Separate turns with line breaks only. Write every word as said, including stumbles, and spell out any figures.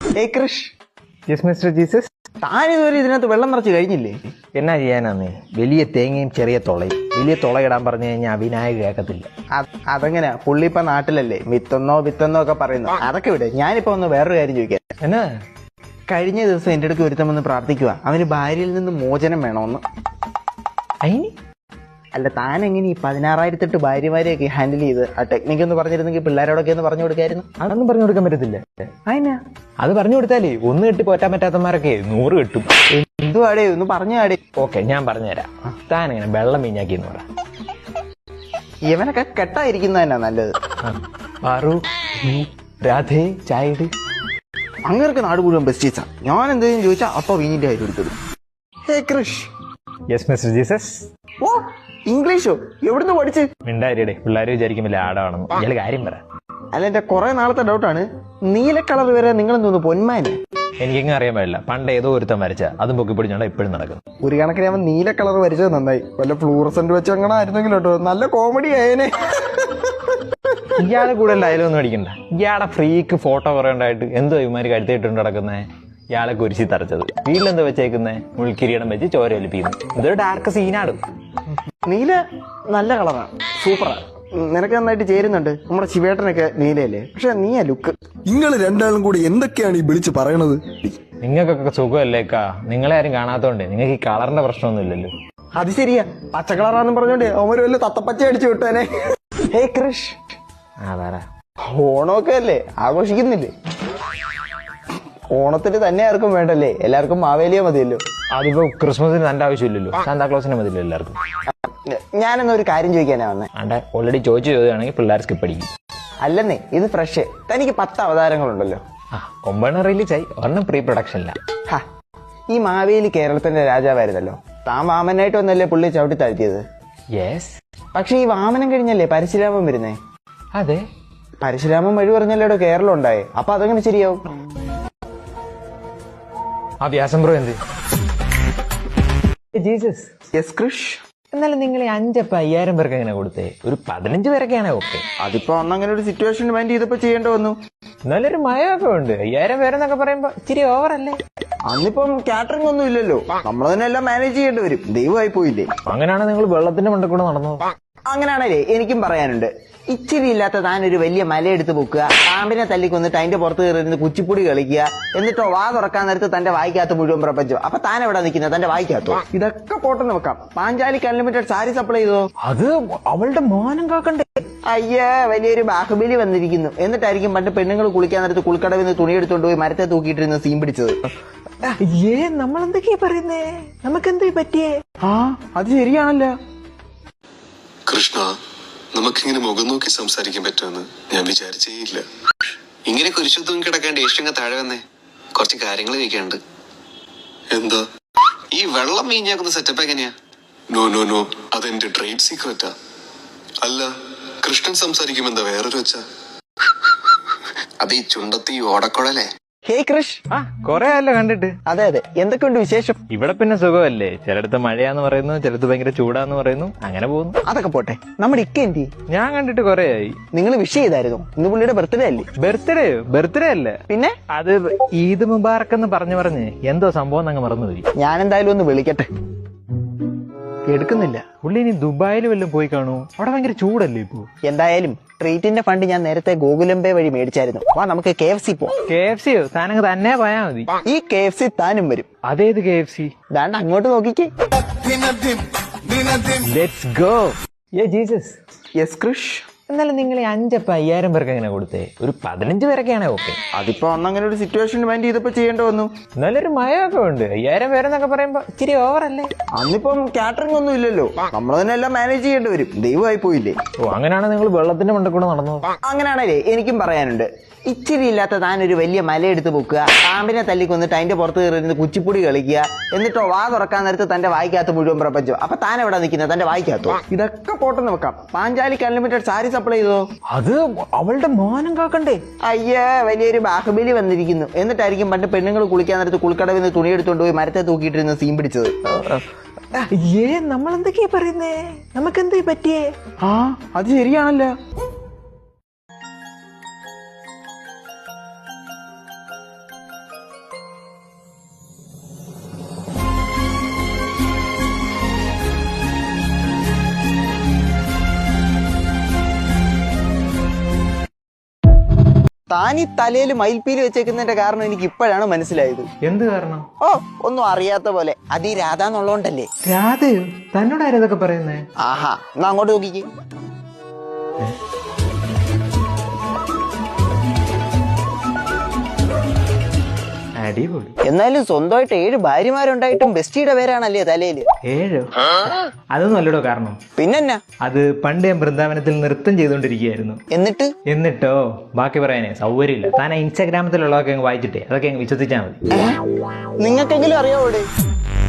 ഏയ് Krish.
Yes mister Jesus.
താനിതുവരെ ഇതിനകത്ത് വെള്ളം നിറച്ച് കഴിഞ്ഞില്ലേ?
എന്നാ ചെയ്യാനാന്നേ, വലിയ തേങ്ങയും ചെറിയ തുളയും. വലിയ തുള ഇടാൻ പറഞ്ഞു കഴിഞ്ഞാൽ വിനായക കേൾക്കത്തില്ല.
അതെങ്ങനെയാ? പുള്ളി ഇപ്പൊ നാട്ടിലല്ലേ, വിത്തെന്നോ വിത്തെന്നോ ഒക്കെ പറയുന്നു. അതൊക്കെ വിട്. ഞാനിപ്പോ ഒന്ന് വേറൊരു കാര്യം ചോദിക്കാം.
എന്നാ?
കഴിഞ്ഞ ദിവസം എന്റെ അടുക്ക് ഒരുത്തം വന്ന് പ്രാർത്ഥിക്കുക, അവന് ഭാര്യയിൽ നിന്ന് മോചനം വേണമെന്ന്.
അയിന്
അല്ല, താൻ എങ്ങനെ ഈ പതിനാറായിരത്തെട്ട് ഭാര്യമാരെയൊക്കെ ഹാൻഡിൽ ചെയ്ത് ആ ടെക്നിക്ക് എന്ന് പറഞ്ഞിരുന്നെങ്കിൽ പിള്ളേരോടൊക്കെ ഒന്ന് പറഞ്ഞു കൊടുക്കായിരുന്നു.
അതൊന്നും പറഞ്ഞു കൊടുക്കാൻ പറ്റത്തില്ല.
അതിനാ
അത് പറഞ്ഞു കൊടുത്താലേ ഒന്ന് കെട്ടി പോറ്റാൻ പറ്റാത്തമാരൊക്കെ നൂറ് കിട്ടും.
എന്തുവാടേ, ഒന്ന് പറഞ്ഞു ആടേ.
ഓക്കെ, ഞാൻ പറഞ്ഞുതരാം. താൻ എങ്ങനെ വെള്ളം മീഞ്ഞാക്കി എന്ന് പറ.
ഇവനൊക്കെ കെട്ടായിരിക്കുന്ന തന്നെ നല്ലത്.
പാറു, രാധേ, ചായട്.
അങ്ങനൊക്കെ നാട് മുഴുവൻ ബെസ്റ്റീസാ. ഞാൻ എന്തെങ്കിലും ചോദിച്ചാൽ അപ്പൊ വീഞ്ഞിന്റെ കാര്യം എടുത്തത്. Hey Krish.
Yes mister Jesus.
ഓ, ഇംഗ്ലീഷോ? എവിടുന്ന് പഠിച്ച്?
മിണ്ടാരിയുടെ പിള്ളേർ വിചാരിക്കും വലിയ ആടാണെന്ന്. ഇയാള് കാര്യം പറ.
അല്ല, എന്റെ കുറെ നാളത്തെ ഡൗട്ടാണ്, നീല കളർ വരെ നിങ്ങൾ തോന്നുന്നു പൊന്മാന്.
എനിക്കെങ്ങനെ അറിയാൻ പാടില്ല. പണ്ട് ഏതോ ഒരുത്തം വരച്ച അതും പൊക്കി പിടിച്ചോണ്ട് ഇപ്പോഴും നടക്കുന്നു.
ഒരു കണക്കിന് അവൻ നീല കളർ വരച്ചത് നന്നായി. വല്ല ഫ്ലൂറസെന്റ് വെച്ച് അങ്ങനെ ആയിരുന്നെങ്കിലും കേട്ടോ, നല്ല കോമഡി ആയേനെ.
ഇയാളെ കൂടെ ഡയലോഗ് ഒന്നും അടിക്കണ്ട. ഇയാളെ ഫ്രീക്ക് ഫോട്ടോ കുറെ ഉണ്ടായിട്ട് എന്തോ ഇവന്മാര് കഴുത്തിട്ടുണ്ട് നടക്കുന്നേ. ഇയാളെ കുരിശി തറച്ചത് വീട്ടിലെന്തോ വെച്ചേക്കുന്നേ, മുൾക്കിരീടം വെച്ച് ചോര ഒലിപ്പിക്കുന്നു. ഇതൊരു ഡാർക്ക് സീനാടും.
നീല നല്ല കളറാണ്, സൂപ്പറാ. നിനക്ക് നന്നായിട്ട് ചേരുന്നുണ്ട്. നമ്മുടെ ശിവേട്ടനൊക്കെ നീലയല്ലേ, പക്ഷെ നീയാ ലുക്ക്.
നിങ്ങൾ രണ്ടാളും കൂടി എന്തൊക്കെയാണ് ഈ വിളിച്ച് പറയണത്?
നിങ്ങൾക്കൊക്കെ സുഖമല്ലേക്കാ? നിങ്ങളെ ആരും കാണാത്തോണ്ട് നിങ്ങൾക്ക് ഈ കളറിന്റെ പ്രശ്നമൊന്നും ഇല്ലല്ലോ.
അത് ശരിയാ, പച്ച കളറാന്ന് പറഞ്ഞോണ്ട് അവര് വല്ല തത്തപ്പച്ച അടിച്ചു വിട്ടേനെ. ഹേ കൃഷ്.
ആ പറ.
ഓണമൊക്കെ അല്ലേ, ആഘോഷിക്കുന്നില്ലേ? ഓണത്തിന് തന്നെ ആർക്കും വേണ്ടല്ലേ, എല്ലാവർക്കും മാവേലിയ മതിയല്ലോ.
അതിപ്പോ ക്രിസ്മസിന് തന്റെ ആവശ്യമില്ലല്ലോ, സാന്താക്ലോസിന് മതിയല്ലോ എല്ലാവർക്കും.
ഞാനെന്നാ ഒരു കാര്യം ചോദിക്കാനാ വന്നേ.
ആണ്ടെ ഓൾറെഡി ചോദിച്ചു ചോദിക്കുകയാണെങ്കിൽ പിള്ളേർ സ്കിപ്പ് അടിക്കും.
അല്ലെന്നേ, ഇത് ഫ്രഷ്. തനിക്ക് പത്ത് അവതാരങ്ങളുണ്ടല്ലോ.
ആ ഒമ്പതെണ്ണം റിലീസ് ആയി, ഒരെണ്ണം പ്രീ പ്രൊഡക്ഷനില്ല.
ഹാ, ഈ മാവേലി കേരളത്തിന്റെ രാജാവായിരുന്നല്ലോ. താൻ വാമനായിട്ട് വന്നല്ലേ പുള്ളി ചവിട്ടി താഴ്ത്തിയത്.
യെസ്.
പക്ഷെ ഈ വാമനം കഴിഞ്ഞല്ലേ പരശുരാമൻ വരുന്നേ.
അതെ,
പരശുരാമൻ വഴി പറഞ്ഞല്ലോ കേരളം ഉണ്ടായേ. അപ്പൊ അതെങ്ങനെ ശരിയാവും?
ആ വ്യാസം ബ്രോ എന്ത്? ജീസസ്.
യെസ് കൃഷ്.
എന്നാലും നിങ്ങൾ ഈ അഞ്ചപ്പ അയ്യായിരം പേർക്ക് എങ്ങനെ കൊടുത്തേ? ഒരു പതിനഞ്ച് പേരൊക്കെയാണ് ഓക്കെ.
അതിപ്പോ അന്നങ്ങനെ ഒരു സിറ്റുവേഷൻ മൈൻഡ് ചെയ്തപ്പോ ചെയ്യേണ്ടി വന്നു.
എന്നാലും ഒരു മയമൊക്കെ ഉണ്ട്. അയ്യായിരം പേരെന്നൊക്കെ പറയുമ്പോ ഇച്ചിരി ഓവറല്ലേ?
അന്നിപ്പം കാറ്ററിംഗ് ഒന്നും ഇല്ലല്ലോ, നമ്മൾ തന്നെ എല്ലാം മാനേജ് ചെയ്യേണ്ടി വരും. ദൈവമായി പോയില്ലേ?
അങ്ങനെയാണ് നിങ്ങൾ വെള്ളത്തിന്റെ മണ്ടയിൽ കൂടെ നടന്നു.
അങ്ങനെയാണല്ലേ എനിക്കും പറയാനുണ്ട്. ഇച്ചിരി ഇല്ലാത്ത താൻ ഒരു വലിയ മലയെടുത്ത് പൊക്കുക, പാമ്പിനെ തല്ലിക്കൊന്നിട്ട് അതിന്റെ പുറത്ത് കയറിയിരുന്ന് കുച്ചിപ്പുടി കളിക്കുക, എന്നിട്ടോ വാ തുറക്കാൻ നേരത്ത് തന്റെ വായിക്കകത്ത് മുഴുവൻ പ്രപഞ്ചം. അപ്പൊ താൻ എവിടെ നിൽക്കുന്നത്? തന്റെ വായിക്കകത്തോ? ഇതൊക്കെ പോട്ടെന്ന് വെക്കാം. പാഞ്ചാലിക്ക് അൺലിമിറ്റഡ് സാരി സപ്ലൈ ചെയ്തോ?
അത് അവളുടെ മാനം കാക്കണ്ടേ?
അയ്യേ, വലിയൊരു ബാഹുബലി വന്നിരിക്കുന്നു. എന്നിട്ടായിരിക്കും പണ്ട് പെണ്ണുങ്ങൾ കുളിക്കാൻ നേരത്ത് കുളിക്കടവിൽ നിന്ന് തുണി എടുത്തോണ്ട് പോയി മരത്തെ തൂക്കിയിട്ടിരുന്ന് സീൻ പിടിച്ചത്.
ഏ നമ്മൾ എന്തൊക്കെയാ പറയുന്നേ? നമുക്ക് എന്തേ പറ്റിയേ?
ആ അത് ശരിയാണല്ലോ.
കൃഷ്ണ, നമുക്കിങ്ങനെ മുഖം നോക്കി സംസാരിക്കാൻ പറ്റുമെന്ന് ഞാൻ വിചാരിച്ചേയില്ല.
ഇങ്ങനെ കുരിശു തൂങ്ങി കിടക്കാണ്ട് ഏഷ്യങ്ങ താഴെ വന്നേ, കുറച്ച് കാര്യങ്ങൾ ചോദിക്കാനുണ്ട്.
എന്താ?
ഈ വെള്ളം വീഞ്ഞാക്കുന്ന സെറ്റപ്പ് എങ്ങനെയാ?
നോ നോ നോ അതെന്റെ ട്രേഡ് സീക്രറ്റാ. അല്ല, കൃഷ്ണൻ സംസാരിക്കുമ്പോ എന്താ വേറൊരു വെച്ചാ?
അത് ഈ ചുണ്ടത്തി ഓടക്കുഴലേ?
ഹേ കൃഷ്.
ആ കൊറേ ആയല്ലോ കണ്ടിട്ട്.
അതെ അതെ, എന്തൊക്കെയുണ്ട് വിശേഷം?
ഇവിടെ പിന്നെ സുഖമല്ലേ? ചിലടത്ത് മഴയാന്ന് പറയുന്നു, ചിലത്ത് ഭയങ്കര ചൂടാന്ന് പറയുന്നു, അങ്ങനെ പോകുന്നു.
അതൊക്കെ പോട്ടെ, നമ്മുടെ ഇക്ക എന്തി?
ഞാൻ കണ്ടിട്ട് കൊറേ ആയി.
നിങ്ങൾ വിഷ് ചെയ്തായിരുന്നു? ഇന്ന് പുള്ളിയുടെ ബർത്ത്ഡേ അല്ലേ?
ബർത്ത്ഡേ ബർത്ത്ഡേ അല്ല,
പിന്നെ
അത് ഈദ് മുബാറക്ക് എന്ന് പറഞ്ഞു പറഞ്ഞ് എന്തോ സംഭവം അങ്ങ് മറന്നുപോയി.
ഞാൻ എന്തായാലും ഒന്ന് വിളിക്കട്ടെ. എടുക്കുന്നില്ല.
പുള്ളി ഇനി ദുബായിൽ വല്ലതും പോയി കാണൂ? അവിടെ ഭയങ്കര ചൂടല്ലേ ഇപ്പൊ?
എന്തായാലും ട്രീറ്റിന്റെ ഫണ്ട് ഞാൻ നേരത്തെ ഗൂഗിളുംപേ വഴി മേടിച്ചായിരുന്നു. വാ നമുക്ക് കെ എഫ് സി പോവാം.
കെ എഫ് സിയോ? താനങ്ങ് തന്നെ പോയാ മതി.
ഈ കെ എഫ് സി താനും വരും.
അതേത് കെ എഫ് സി?
ദാണ്ട് അങ്ങോട്ട് നോക്കിക്കേ.
Let's go. യേ ജീസസ്.
യെസ് കൃഷ്.
എന്നാലും നിങ്ങൾ ഈ അഞ്ചപ്പ അയ്യായിരം പേർക്ക് എങ്ങനെ കൊടുത്തേ? ഒരു പതിനഞ്ച് പേരൊക്കെയാണ് ഓക്കെ.
അതിപ്പോ അന്നങ്ങനെ ഒരു സിറ്റുവേഷൻ മൈൻഡ് ചെയ്തപ്പോ ചെയ്യേണ്ടി വന്നു.
എന്നാലും ഒരു മയമൊക്കെ ഉണ്ട്. അയ്യായിരം പേരെന്നൊക്കെ പറയുമ്പോ ഇച്ചിരി ഓവറല്ലേ?
അന്നിപ്പം കാറ്ററിംഗ് ഒന്നും ഇല്ലല്ലോ, നമ്മൾ തന്നെ എല്ലാം മാനേജ് ചെയ്യേണ്ടി വരും. ദൈവമായി പോയില്ലേ?
ഓ അങ്ങനെയാണ് നിങ്ങൾ വെള്ളത്തിന്റെ മണ്ടയിൽ കൂടെ നടന്നു.
അങ്ങനെയാണല്ലേ എനിക്കും പറയാനുണ്ട്. ഇച്ചിരി ഇല്ലാത്ത താൻ ഒരു വലിയ മലയെടുത്ത് പൊക്കുക, പാമ്പിനെ തല്ലിക്കൊന്നിട്ട് അതിന്റെ പുറത്ത് കയറിയിരുന്ന് കുച്ചിപ്പുടി കളിക്കുക, എന്നിട്ടോ വാ തുറക്കാൻ നേരത്ത് തന്റെ വായിക്കകത്ത് മുഴുവൻ പ്രപഞ്ചം. അപ്പൊ താൻ എവിടെ നിൽക്കുന്നത്? തന്റെ വായിക്കകത്തോ? ഇതൊക്കെ പോട്ടെന്ന് വെക്കാം. പാഞ്ചാലിക്ക് അൺലിമിറ്റഡ് സാരി സപ്ലൈ ചെയ്തോ?
അത് അവളുടെ മാനം കാക്കണ്ടേ?
അയ്യേ, വലിയൊരു ബാഹുബലി വന്നിരിക്കുന്നു. എന്നിട്ടായിരിക്കും പണ്ട് പെണ്ണുങ്ങൾ കുളിക്കാൻ നേരത്ത് കുളിക്കടവിൽ നിന്ന് തുണി എടുത്തോണ്ട് പോയി മരത്തെ തൂക്കിയിട്ടിരുന്ന് സീൻ പിടിച്ചത്.
ഏ നമ്മൾ എന്തൊക്കെയാ പറയുന്നേ? നമുക്ക് എന്തേ പറ്റിയേ?
ആ അത് ശരിയാണല്ലോ. താൻ ഈ തലയിൽ മയിൽപ്പീലി വെച്ചേക്കുന്നതിന്റെ കാരണം എനിക്ക് ഇപ്പോഴാണ് മനസ്സിലായത്.
എന്ത് കാരണം?
ഓ ഒന്നും അറിയാത്ത പോലെ. അത് ഈ രാധ എന്നുള്ളതുകൊണ്ടല്ലേ.
രാധയോ? തന്നോട് ആരതൊക്കെ പറയുന്നേ?
ആഹാ, എന്നാ അങ്ങോട്ട് നോക്കിക്ക്.
അടിപൊളി.
എന്നാലും സ്വന്തമായിട്ട് ഏഴ് ഭാര്യമാരുണ്ടായിട്ടും ബെസ്റ്റിയുടെ പേരാണല്ലേ തലയില്.
ഏഴോ? അതൊന്നും അല്ലടോ കാരണം.
പിന്നെന്നാ?
അത് പണ്ട് ഞാൻ വൃന്ദാവനത്തിൽ നൃത്തം ചെയ്തുകൊണ്ടിരിക്കുകയായിരുന്നു.
എന്നിട്ട്
എന്നിട്ടോ ബാക്കി പറയാനേ സൗകര്യമില്ല. താൻ ഇൻസ്റ്റാഗ്രാമത്തിലുള്ളതൊക്കെ അങ്ങ് വായിച്ചിട്ടേ അതൊക്കെ അങ്ങ് വിശ്വസിച്ചാൽ മതി.
നിങ്ങൾക്കെങ്കിലും അറിയാവോടെ?